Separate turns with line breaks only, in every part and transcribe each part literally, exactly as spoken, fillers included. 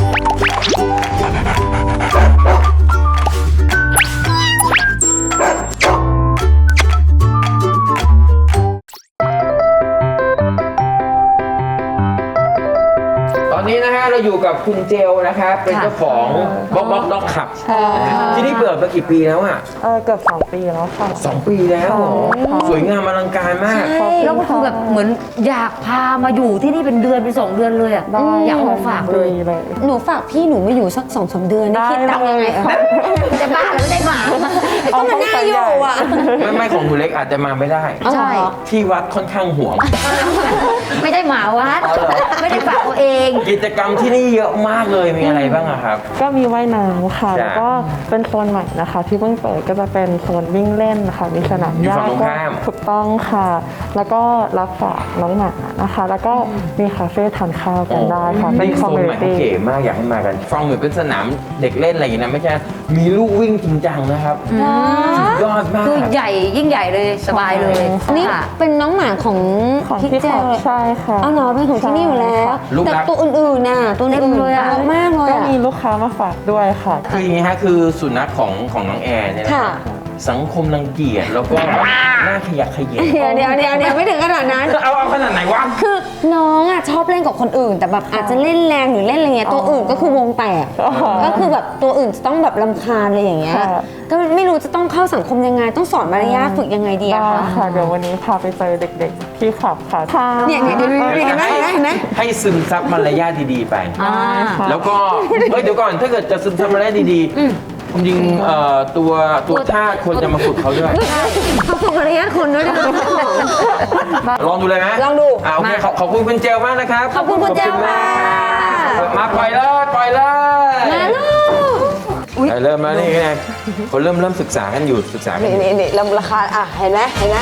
นี้นะฮะเราอยู่กับคุณเจลนะครับเป็นเจ้าของบ็อกบ็อกด็อกขับที่นี่เปิดมากี่ปีแล้วอ่ะ
เออเกือบสองปีแล้วค่ะ
สองปีแล้วเหรอสวยงามอลังการมาก
แล้วก็คือแบบเหมือนอยากพามาอยู่ที่นี่เป็นเดือนเป็นสองเดือนเลยอ่ะอยากมาฝากเลย
หนูฝากพี่หนูมาอยู่สักสองสามเดือนได้คิดตังยังไง
จะบ้าแล้วไม่ได้หมา
ก็มันน่าอยู่อ่ะ
ไม่ไม่ของคุณเล็กอาจจะมาไม่ได้
ใช่
ที่วัดค่อนข้างห่วง
ไม่ได้หมาวัดไม่ได้ฝากตัวเอง
กิจกรรมที่นี่เยอะมากเลยมีอะไรบ้างอะครับ
ก็มีว่ายน้ำค่ะแล้วก็เป็นโซนใหม่นะคะที่เพิ่งเปิดก็จะเป็นโซนวิ่งเล่นนะคะมีสนามหญ้าก็ถูกต้องค่ะแล้วก็รับฝากน้องหมานะคะแล้วก็มีคาเฟ่ทานข้าวกันได้ค่ะ
เป็นคอมมูนิตี้เก๋มากอยากให้มากันฟังเหมือนเป็นสนามเด็กเล่นอะไรอย่างนี้นะไม่ใช่มีลูกวิ่งจริงจังนะครับสุดยอดมาก
คือใหญ่ยิ่งใหญ่เลยสบายเลย
นี่เป็นน้องหมาของ
พี่เจลใช่ค่ะ
เอาหนอเป็นของที่นี่อยู่แล้วแต่ตัวอื่นๆน่ะตัวอื่นเลยอะมากเลย
ก็มีลูกค้ามาฝากด้วยค่ะ
คืออย่างนี้ฮะคือสุนัขของของน้องแอร์เนี่ยนะสังคมรังเกียจแล้วก็น่าขยะขยะ
เดี๋ยวเดี๋ยวเดี๋ยวเดี๋ยวไม่ถึงขนาดนั้น
เอาเอาขนาดไหนวะ
คือน้องอ่ะชอบเล่นกับคนอื่นแต่แบบอาจจะเล่นแรงหรือเล่นอะไรเงี้ยตัวอื่นก็คือวงแตกก็คือแบบตัวอื่นจะต้องแบบรำคาญอะไรอย่างเงี้ยก็ไม่รู้จะต้องเข้าสังคมยังไงต้องสอนมารยาทฝึกยังไงดีอะคะ
ค่ะเดี๋ยววันนี้พาไปเจอเด็กๆที่ขับค่ะ
เนี่ยเนี่ยเดี๋ยวเห็นไหมเห็นไหม
ให้ซึมซับมารยาทดีๆไปแล้วก็เฮ้ยเดี๋ยวก่อนถ้าเกิดจะซึมซับมารยาทดีๆจริงๆตัวตัวท่าควรจะมาฝึกเขาด้วย
เขาฝึกมารยาทคนด้วยนะ
ลองดูเลยไหม
ลองดู
อ่าโอเคขอบคุณคุณเจลมากนะครับ
ขอบคุณคุณเจลมาก
มาปล่อยเลยปล่อยเลย
มาลูก
เริ่มแล้วนี่ไงคนเริ่มเริ่มศึกษากันอยู่ศึกษา
นี่นี่นี่ราคาอ่ะเห็นไหมเห็นไหม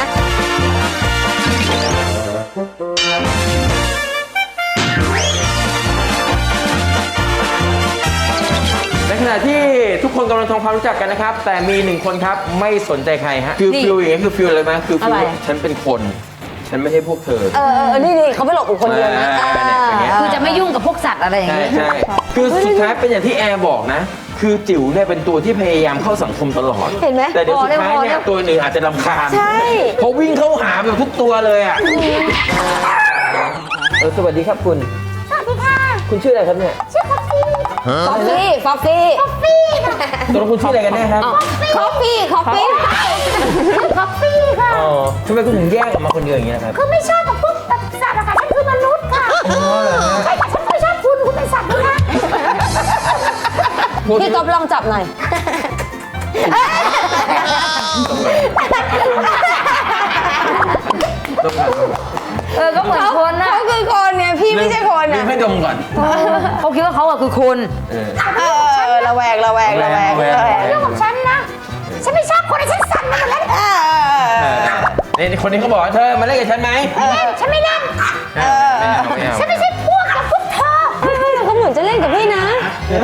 ในขณะที่ทุกคนกำลังทำความรู้จักกันนะครับแต่มีหนึ่งคนครับไม่สนใจใครฮะคือฟิลอย่างนี้คือฟิลอะไรไหมคือฟิลฉันเป็นคนฉันไม่ใช่พวกเธอ
เออนี่นี่เขาไม่หลบคนเดียวนะ
คือจะไม่ยุ่งกับพวกสัตว์อะไรอย่างนี้
ใช่คือสุดท้ายเป็นอย่างที่แอร์บอกนะคือจิ๋วเนี่ยเป็นตัวที่พยายามเข้าสังคมตลอด
เห็นไหม
แต่เดี๋ยวสุดท้ายเนี่ยตัวหนึ่งอาจจะรำคาญ
ใช่
เพราะวิ่งเข้าหาแบบทุกตัวเลยอ่ะเออสวัสดีครับคุณ
สวัสดีค่ะ
คุณชื่ออะไรครับเนี่ย
ชื่อคอฟฟี่คอฟฟี่คอฟฟี่คอฟฟี่
ตัวคุณชื่ออะไรกันแน่ครับ
คอฟฟี่คอฟฟี่คอฟฟี่ค่ะ
อ๋อทำไมคุณถึงแยกออกมาคนเดียวอย่างนี้นะครับ
คือไม่ชอบกับพวกสัตว์อะค่ะฉันคือมนุษย์ค่ะใช่แต่ฉันไม่ชอบคุณคุณเป็นสัตว์นะคะพี่ก๊อฟลองจับหน่อย
เออก็เหมือนคนนะ
เขาคือคนเนี่ยพี่ไม่ใช่คน
นะให้ดมก่อน
เขาคิดว่าเขาอะคือคน
เออระแวงระแวงระแวงเรื่องของฉันนะฉันไม่ชอบคนฉันสั่นมาหมดแล้ว
นี่คนนี้เขาบอกว่าเธอมาเล่นกับฉันไหม
ฉันไม่เล่นฉันไม่ใช่พวกกับพวกเธอเขาเหมือนจะเล่นกับพี่นะ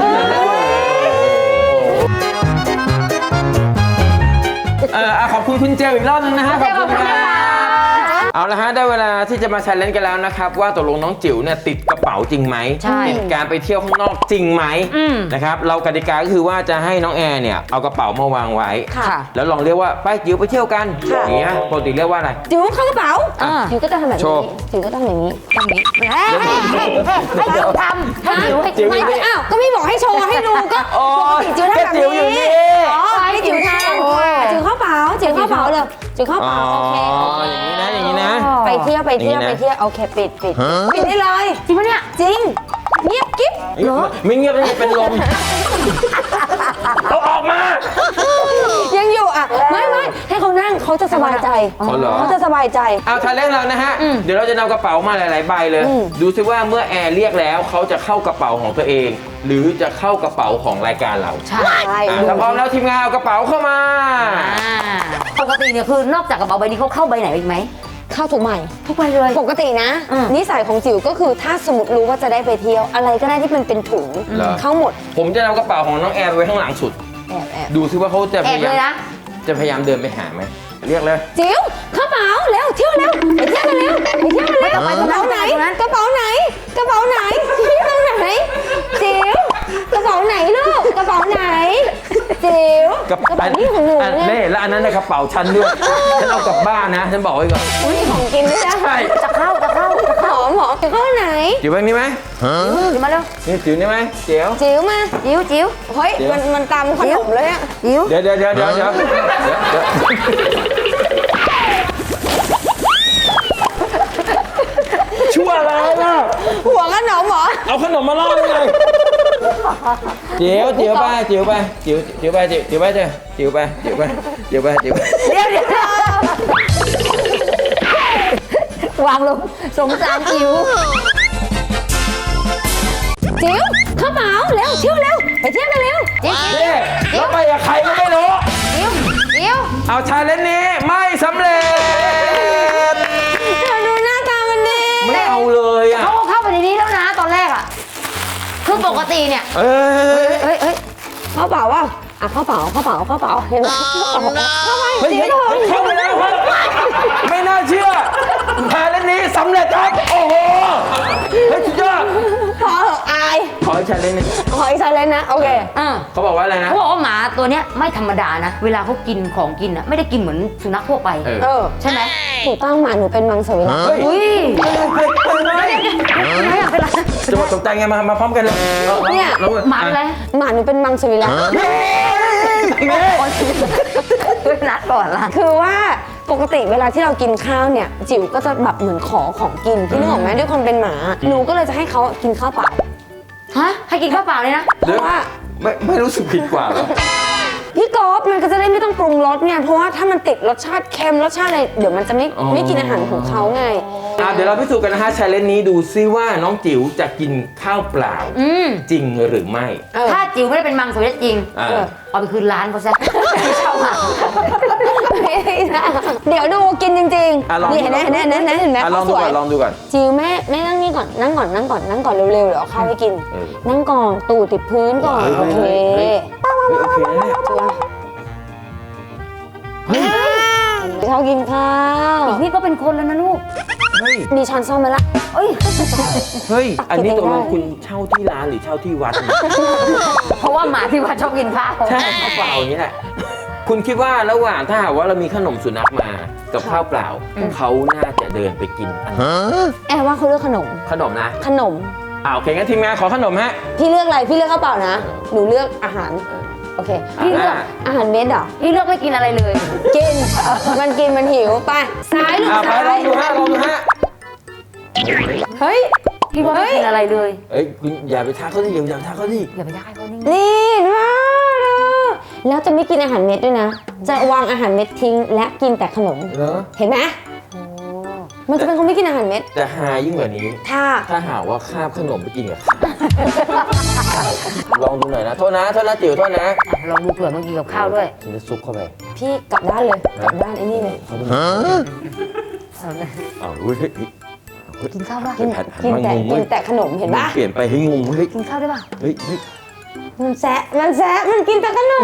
เออขอบคุณคุณเจลอีกรอบนึงนะฮะขอบคุณค่ะเอาละฮะได้เวลาที่จะมาแชร์เลนกันแล้วนะครับว่าตกลงน้องจิ๋วเนี่ยติดกระเป๋าจริงไหมติดการไปเที่ยวข้างนอกจริงไหมนะครับเรากติกาก็คือว่าจะให้น้องแอร์เนี่ยเอากระเป๋ามาวางไว้แล้วลองเรียกว่าไปจิ๋วไปเที่ยวกันอย่างเงี้ยปกติเรียกว่าอะไร
จิ๋วเข้ากระเป๋าจิ๋วก็จะทำแบบนี้จิ๋วก็ต้องอย่างนี้ทำนี้ให้จิ๋วทำให้จิ๋วให้จิ๋วอ้าวก็ไม่บอกให้โชว์ให้ดูก็จิ๋วทำแบบนี้อ๋อให้จิ๋วทำจิ๋วเข้าเป๋าจิ๋วเข้าเป๋าเลยจิ๋วเข้าเป๋าโอเค
อย่างนี้นะอย่างนี้นะ
ไปเที่ยวไปเที่ยวไปเที่ยวโอเคปิดปิดปิดได้เลย
จริงปะเนี่ย
จริงเงียบกิ๊บ
ไม่เงียบเลยเป็นลมเอาออกมา
ยังอยู่อ่ะไม่ไม่ให้เขานั่งเขาจะสบายใจเขาจะสบายใจ
เอาทาเล่นเรานะฮะเดี๋ยวเราจะนำกระเป๋ามาหลายๆใบเลยดูซิว่าเมื่อแอร์เรียกแล้วเขาจะเข้ากระเป๋าของตัวเองหรือจะเข้ากระเป๋าของรายการเรา
ใช่
ถ้าพร้อมแล้วทีมงานเอากระเป๋าเข้ามา
ปกติเนี่ยคือนอกจากกระเป๋าใบนี้เขาเข้าใบไหนอีกไหม
เข้าทุกใบ
ทุกใบเลย
ปกตินะนิสัยของจิ๋วก็คือถ้าสมมติรู้ว่าจะได้ไปเที่ยวอะไรก็ได้ที่มันเป็นถุงเข้าหมด
ผมจะนำกระเป๋าของน้องแอร์ไว้ข้างหลังสุด
แอบแอบ
ดูซิว่าเขาจะพยายามจะพยายามเดินไปหาไหมเรียกเลย
จิ๋วกระเป๋าเร็วเที่ยวเร็วไปเที่ยวกันเร็วไปเที่ยวกันเร็วกระเป๋าไหนกระเป๋าไหนกระเป๋าไหนเที่ยวไหนจิ๋วจิ๋ว
กับ
กระเป๋านี่ของหนู
อั
เนี่ย
เน่แล้วอันนั้นในกระเป๋าฉันด้วย ฉันเอากลับบ้านนะ ฉันบอกไว้ก่อน
อุ้ยของกินด้วยนะ
ใช่
จะเข้าจะเข้าจะ
ห
เข้า
อมหอมจิ๋วเข้าไหน
จิ๋วแบบนี้ไหม
จิ๋วมาเร็ว
นี่จิ๋วนี่ไหมเจียว
จิ๋วมา
จิ๋วจิ๋ว
เฮ้ยมันมันตำขนมเลยอะ
จิ๋ว
เดี๋ยวเดี๋ยวเดี๋ยวเดี๋ยวเดี๋ยวเดี๋ยวเดี๋ยวชั่วอะไรล่ะ
หัวขนมเหรอ
เอาขนมมาล่อได้ไงเจียวเจียวไปเจียวไปเจียวเจียวไปเจียวเจียวไปเจียวเจียวไปเจียวไปเจียวไปเจียวไป
เดี๋ยวเดี๋ยววางลงสงสารจิ๋ว
จิ๋วเข้าเป๋าเร็วเที่ยวเร็วไปเที่ยวกันเร็ว
จิ๋ว
นี่แล้วไปกับใครก็ไม่รู้
จิ๋วจิ๋ว
เอาชาเลนจ์นี้ไม่สำเร็จ
เธอดูหน้าตามันดี
ไม่เอาเลยอ่ะ
เขาก็เข้าไปในนี้แล้วนะตอนแรกอ่ะคือปกติเนี่ย
เอ้ย
เฮ้ยเฮ้ย
เข้าเป๋าว่ะอ่ะเข้าเป๋าเข้าเป๋าเข้าเป๋าเห็นไหมเข้าไป
เฮ้ย
จิ๋ว
เฮ้ย
เถอะ
เข้าไปแล้วครับไม่น่าเชื่อชาเลนจ์นี้สำเร็จครับโอ้โหเฮ้ยสุดยอด
พอเถอะอาย
ขออีกชาเลนจ์หนึง
ขออีกชาเลนจ์นะโอเค
อ่า
เขาบอกว่าอะไรนะ
เขาบอกว่าหมาตัวเนี้ยไม่ธรรมดานะ เวลาเขากินของกินอ่ะไม่ได้กินเหมือนสุนัขทั่วไป
เออ
เออ
ใช่ไหม
ถูกต้องหมาหนูเป็นมังสวิรัติ
เฮ้ย
อุ้ย
เฮ้ยเฮ้ยเฮ้ย
ไม่อยากเป็นไร
จะมาตกใจไงมามาพร้อมกันเลยอาอา
เนี่ย
อา
หมาเป็นไร
หมาหนูเป็นมังสวิรัติ
เฮ้ยแม่
เป็นนัดก่อนล่ะ
คือว่าปกติเวลาที่เรากินข้าวเนี่ย จิ๋วก็จะแบบเหมือนขอของกินพี่นึกออกไหมด้วยความเป็นหมา หนูก็เลยจะให้เขากินข้าวเปล่า
ฮะให้กินข้าวเปล่าเลยนะ
เพราะว่า
ไม่ไม่รู้สึกผิดกว่าเหรอ
พี่กอล์ฟมันก็จะได้ไม่ต้องปรุงรสไงเพราะว่าถ้ามันติดรสชาติเค็มรสชาติอะไรเดี๋ยวมันจะไม่
อ๋อ
ไม่กินอาหารของเขาไง
อ่ะเดี๋ยวเราพิสูจน์กันนะฮะชาเลนจ์นี้ดูซิว่าน้องจิ๋วจะกินข้าวเปล่า
อืม
จริงหรือไม่
เออ
ถ้าจิ๋วไม่ได้เป็นมังสวิรัติจริง
อ่า
เออเอาไปคืนร้านเขาซะไม่เช่ามา
เดี๋ยวดูกินจริง
อ่ะลอง
ๆนี่เห็นไหมเห็นไหมเห็นไหมเห็นไหม
อ่ะลอง
เขา
ดู
สวย
ก่อนลองดูก่อน
จิ๋วแม่แม่นั่งนี่ก่อนนั่งก่อนนั่งก่อนนั่งก่อนเร็วๆเดี๋ยวเอาข้าวให้กิน
เออ
นั่งก่อนตูดติดพื้นก่อน
เฮ้ย
โอเค
เฮ้ย เฮ้ยโอเคนะเนี่ย
จิ๋วชอบกินข้าว
นี่ก็เป็นคนแล้วนะลูก
เฮ้ย
มีช้อนซ่อมไหมล่ะ
เอ้ย
เฮ้ย อันนี้ตกลง
ได้
คุณเช่าที่ร้านหรือเช่าที่วัดเนี่ย
เพราะว่าหมาที่วัดชอบกินข้าว
ใช่ข้าวเปล่าอย่างนี้แหละ คุณคิดว่าระหว่างถ้าหากว่าเรามีขนมสุนัขมากับข้าวเปล่า เขาน่าจะเดินไปกินอันไหน
แอบว่าเขาเลือกขนม
ขนมนะ
ขนม
อ่าโอเคงั้นทีมงานขอขนมฮะ
พี่เลือกอะไร พี่เลือกข้าวเปล่านะ หนูเลือกอาหาร โอเค พี่เลือก
อ่า
อาหารเม็ดเหรอ
นี่เลือกไม่กินอะไรเลย
กิน มันกินมันหิว ไป ซ้ายลูก
อ่าไป
ซ้า
ลอย งดูฮะลองดูฮะ
เฮ้ย
พี่ว่าไม่กินอะไรเลย
เอ้ยคุณอย่าไปทักเขาดิอย่าไปทักเขาดิ
อย่าไปได้เขานี่
นี่มาดูแล้วจะไม่กินอาหารเม็ดด้วยนะ จะวางอาหารเม็ดทิ้ง และกินแต่ขนม
เหรอ
เห็นไหม
โอ้
มันจะเป็นคนไม่กินอาหารเม็ด
แต่หายิ่งกว่านี้
ถ้า
ถ้าหากว่าคาบขนมไปกินกับข้าวลองดูหน่อยนะ โทษนะ โทษนะจิ๋วโทษนะ
อ่ะลองดูเผื่อมันกินกับข้าวด้วย
ฉันจะซุกเข้าไป
พี่กลับด้านเลย กลับด้านไอ้นี่เลย
เขาดู
เอาเลย
อ้าวเฮ้ยเฮ้ยเฮ้ย
กินข้าวป่ะ
กิน
หันหัน
กิน
มา
แต่
งงเว้
กิ
ย
นแต่ขนมเห็นปะ
เปลี่ยนไปให้งงเฮ้ย
กินข้าวได้ป่ะ
เฮ้ยเฮ้ย
มันแซะ มันแซะ มันกินแต่ขนม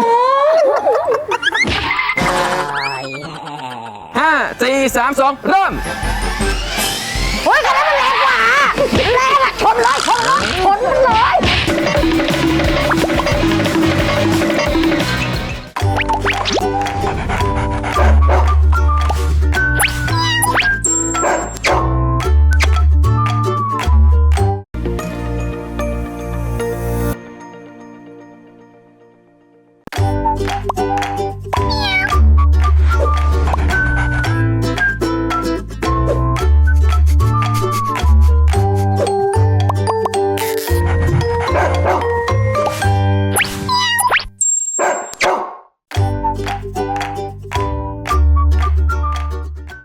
ห้าสี่สามสองเริ่ม
โอ้ยคันนั้นมันแรงกว่าแรงอะชนเลยชนเลยชนมันเลย